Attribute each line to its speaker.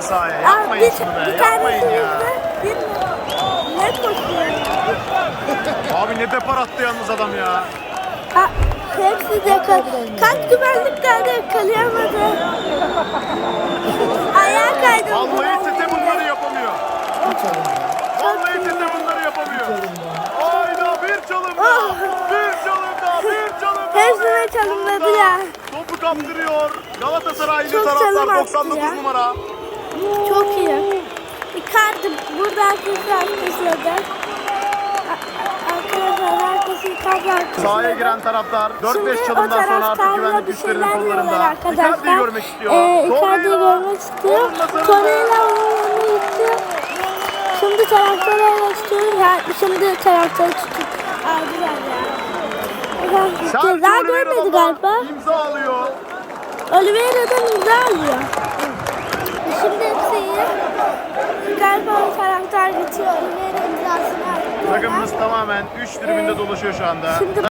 Speaker 1: sahaya. Yapmayın şunu be. Yapmayın ya.
Speaker 2: Ne koşuyor?
Speaker 1: Abi ne depar attı yalnız adam ya.
Speaker 2: Hepsi de kaç güvenlik geldi yakalayamadı. Ayağa kaydı.
Speaker 1: Vallahi Tete bunları yapamıyor. Vallahi Tete bunları yapamıyor. Hayda bir çalım daha. Bir çalım daha. Bir çalım daha.
Speaker 2: Hepsine çalımladı ya.
Speaker 1: Topu kaptırıyor. Galatasaraylı
Speaker 2: Çok
Speaker 1: taraftar
Speaker 2: çalım attı
Speaker 1: 99
Speaker 2: ya.
Speaker 1: numara.
Speaker 2: Çok iyi. Icardi burada arkadaşlar. Arkadaşlar herkesi Icardi
Speaker 1: Sahaya giren taraftar 4-5 çalımdan sonra artık güvenlik güçlerinin kollarında. Icardi'yi
Speaker 2: arkadaşlar.
Speaker 1: görmek istiyor.
Speaker 2: Icardi'yi görmek istiyor. Torreira onun yanına gitti. Şimdi taraftarı istiyor. Ya, şimdi taraftarı tutup aldılar ya. Ceza görmedi galiba.
Speaker 1: İmza alıyor.
Speaker 2: Oliveira'dan imza alıyor. Şimdi hepsi iyi. Galiba o taraftar geçiyor. Oliveira imzasını attı.
Speaker 1: Takımımız tamamen 3 tribünde dolaşıyor şu anda.
Speaker 2: Şimdi